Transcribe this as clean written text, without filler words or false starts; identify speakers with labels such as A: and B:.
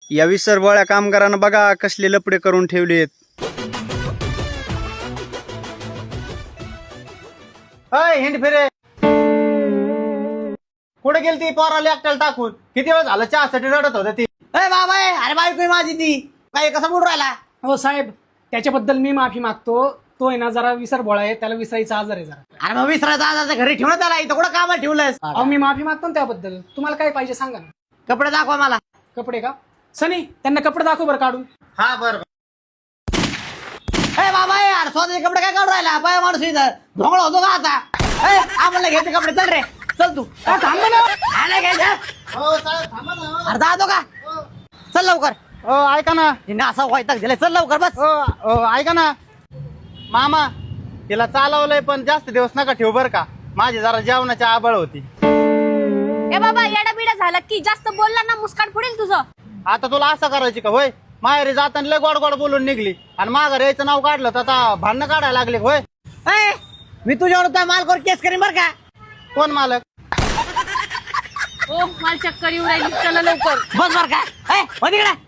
A: या विसरबोळ्या कामगारांना बघा कसले लपडे करून ठेवलेत.
B: हिंड फिरे कुठे गेली ती पोराला एकट्याला टाकून? किती वेळ झालं चहासाठी रडत होती ती.
C: बाबा अरे बायको आहे माझी ती काय कसं बोलून राहिला.
D: हो साहेब, त्याच्याबद्दल मी माफी मागतो. तो आहे ना जरा विसरबोळा आहे, त्याला विसरायचा आजार आहे जरा.
C: अरे मग विसरायचा आज घरी ठेवण्यात आला इथं कुठं कामाला ठेवलंयस.
D: अहो मी माफी मागतो ना त्याबद्दल. तुम्हाला काय पाहिजे सांगा ना.
C: कपडे दाखवा मला.
D: कपडे का? सनी त्यांना कपडे दाखव बरं काढून.
B: हा बरं
C: बाबा अरे स्वतःचे कपडे काय काढून राहिला बाय माणूस इथं ढोंगळा होतो का आता. आम्हाला घ्यायचे कपडे चल रे चल तू.
D: थांब ना.
C: आला घ्यायचं अरे जातो का चल लवकर.
B: ऐका ना
C: असा व्हायचं दिलाय चल लवकर बस.
B: ऐका ना मामा, तिला चालवलंय पण जास्त दिवस नका ठेवू बर का. माझी जरा जेवणाची आबळ होती.
E: ए बाबा येडा बिडा झाला की जास्त बोलला ना मुस्काट फुडेल तुझं.
B: आता तुला असं करायची का होय? माहेरी जाताना लय गोड गोड बोलून निघली आणि माघार यायचं नाव काढलं तर आता भांडणं काढायला लागले होय.
C: मी तुझ्यावर मालकावर केस करीन बर का.
B: कोण मालक?
E: ओ मला चक्कर येऊ राहिली, चला लवकर.
C: बस बर का.